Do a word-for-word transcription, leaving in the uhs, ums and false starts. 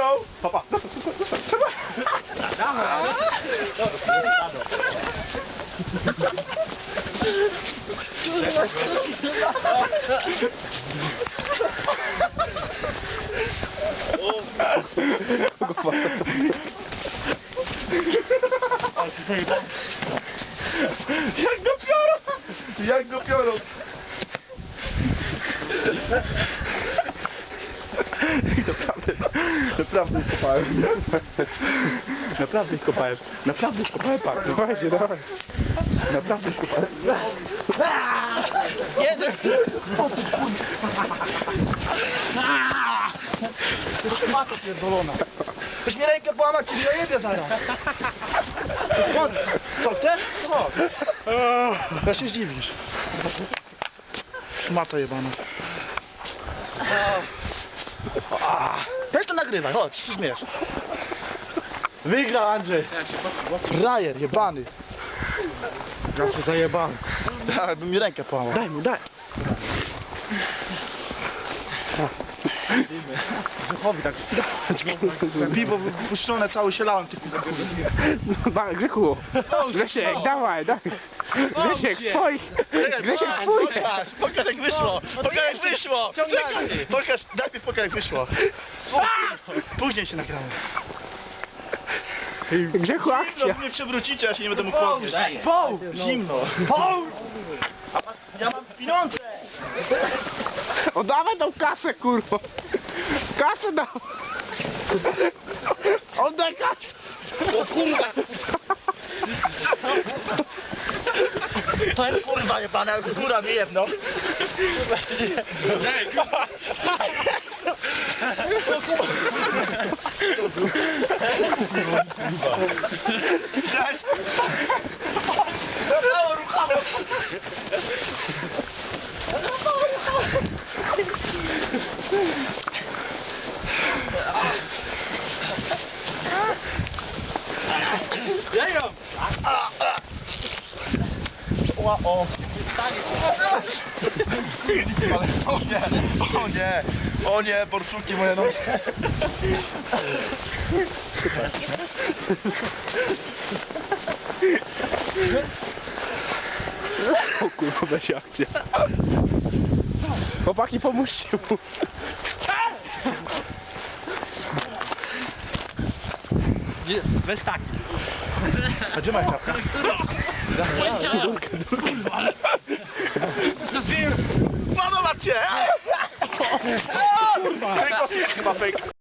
go! Papa, trzeba! Jak go piorą! Jak go piorą! Naprawdę, naprawdę ich kopałem. Naprawdę ich kopałem. Naprawdę ich kopałem, pak. Dawajcie, dawaj. Naprawdę ich kopałem. Jeden! To jest mato pierdolona. Ktoś mi rękę połamać, czyli ja jebie zaraz. Co, chcesz? Co? Ja się zdziwisz. Szmato jebana. Weź to nagrywaj, chodź, się śmiesz. Wygrał Andrzej. Frajer jebany. Ja się zajebałem. Ja bym mi rękę połamał. Daj mu, daj. Grzechowi tak. Piwo wypuszczone, cały się lałem tylko. No daj, Grzechu. Grzesiek, dawaj, daj. Grzesiek, twój. Grzesiek, twój. Pokaż, pokaż jak wyszło. Pokaż jak wyszło. Czekaj. Pokaż, najpierw pokaż jak wyszło. Później się nagramy. Grzechu, Zimno, akcja. wy mnie przewrócicie, ja się nie będę mógł podnieść. Poł. Zimno. Ja mam pieniądze. Oddawaj tą kasę, kurwa. Kasę dał. Oddaj kasę. O kurwa. To jest kurwa jebana, góra mnie jedno. Kurwa, czy nie? O kurwa. Daj. Mało ruchało. O, o. O nie, o nie, o nie, borsuki moje nogi. O kurwa, będzie akcja. Chłopaki, pomóżcie mu. Weź tak. A gdzie masz czapkę? Durkę, durkę. Podoba cię! Kurwa! Chyba fake.